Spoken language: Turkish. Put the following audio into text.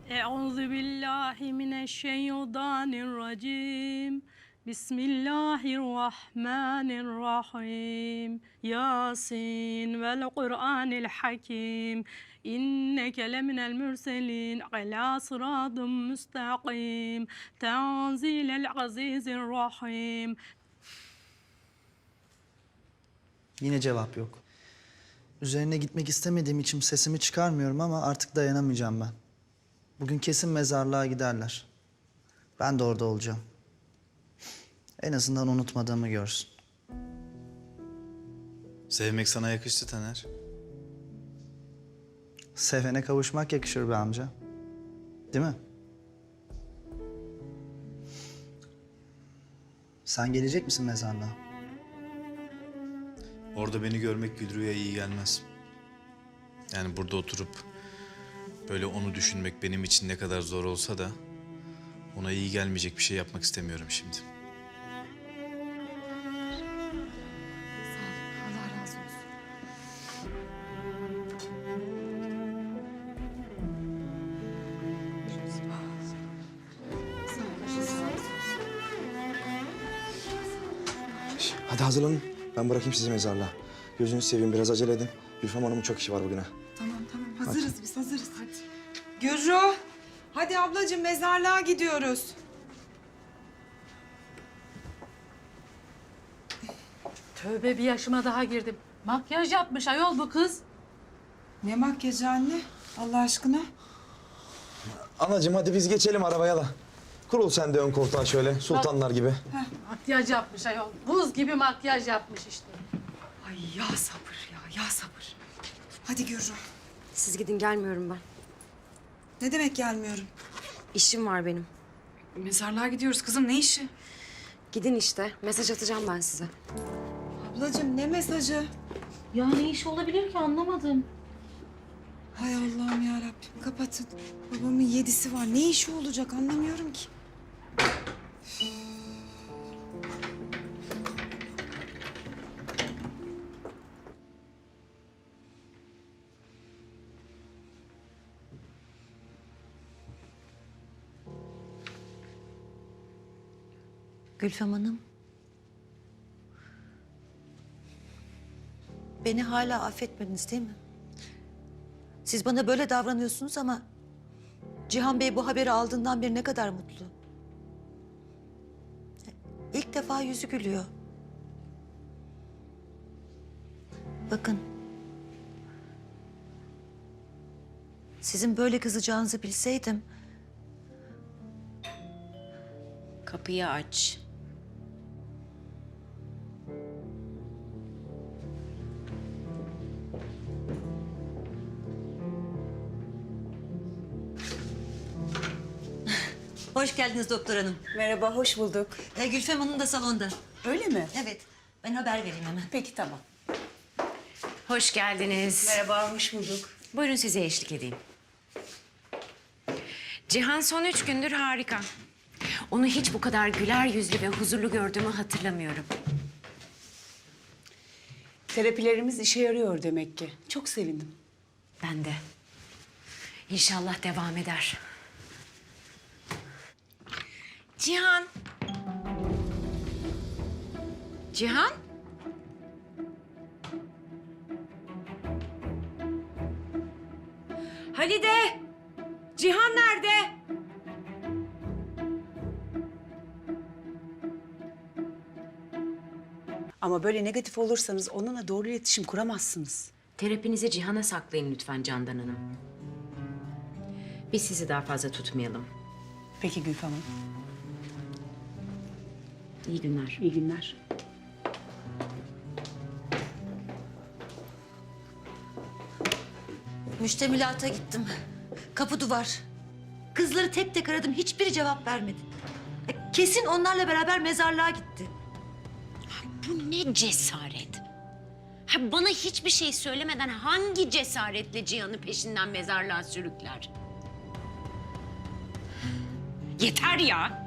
Euzu billahi mineşşeytanirracim. Bismillahirrahmanirrahim. Yasin vel Kur'anil hakim. İnneke leminel mürselin ala sıratın müstakim. Tenzilel azizir rahim. Yine cevap yok. Üzerine gitmek istemediğim için sesimi çıkarmıyorum ama artık dayanamayacağım ben. Bugün kesin mezarlığa giderler. Ben de orada olacağım. En azından unutmadığımı görsün. Sevmek sana yakıştı Taner. Sevene kavuşmak yakışır be amca. Değil mi? Sen gelecek misin mezarlığa? Orada beni görmek Gülru'ya iyi gelmez. Yani burada oturup böyle onu düşünmek benim için ne kadar zor olsa da ona iyi gelmeyecek bir şey yapmak istemiyorum şimdi. Allah razı olsun. Hadi hazırlanın. Ben bırakayım sizi mezarlığa. Gözünüzü seveyim, biraz acele edin. Gülfem Hanım'ın çok işi var bugüne. Tamam hazırız biz hazırız. Hadi. Gürru. Hadi ablacığım mezarlığa gidiyoruz. Tövbe, bir yaşıma daha girdim. Makyaj yapmış ayol bu kız. Ne makyajı anne? Allah aşkına. Anacığım hadi biz geçelim arabaya da. Kurul sen de ön koltuğa şöyle, sultanlar gibi. Makyaj yapmış ayol. Buz gibi makyaj yapmış işte. Ay ya sabır ya sabır. Hadi Gürru. Siz gidin, gelmiyorum ben. Ne demek gelmiyorum? İşim var benim. Mezarlığa gidiyoruz kızım, ne işi? Gidin işte. Mesaj atacağım ben size. Ablacığım ne mesajı? Ya ne iş olabilir ki, anlamadım. Hay Allah'ım ya Rabbim, kapatın. Babamın 7'si var. Ne işi olacak anlamıyorum ki. Gülfem Hanım. Beni hala affetmediniz değil mi? Siz bana böyle davranıyorsunuz ama Cihan Bey bu haberi aldığından beri ne kadar mutlu. İlk defa yüzü gülüyor. Bakın. Sizin böyle kızacağınızı bilseydim... Kapıyı aç. Hoş geldiniz doktor hanım. Merhaba, hoş bulduk. Gülfem Hanım da salonda. Öyle mi? Evet, ben haber vereyim hemen. Peki, tamam. Hoş geldiniz. Merhaba, hoş bulduk. Buyurun size eşlik edeyim. Cihan son 3 gündür harika. Onu hiç bu kadar güler yüzlü ve huzurlu gördüğümü hatırlamıyorum. Terapilerimiz işe yarıyor demek ki. Çok sevindim. Ben de. İnşallah devam eder. Cihan. Cihan? Halide! Cihan nerede? Ama böyle negatif olursanız onunla doğru iletişim kuramazsınız. Terapinizi Cihan'a saklayın lütfen Candan Hanım. Biz sizi daha fazla tutmayalım. Peki Gülfem Hanım. İyi günler. İyi günler. Müştemilata gittim. Kapı duvar. Kızları tek tek aradım. Hiçbiri cevap vermedi. Kesin onlarla beraber mezarlığa gitti. Bu ne cesaret? Ha, bana hiçbir şey söylemeden hangi cesaretle Cihan'ı peşinden mezarlığa sürükler? Yeter ya!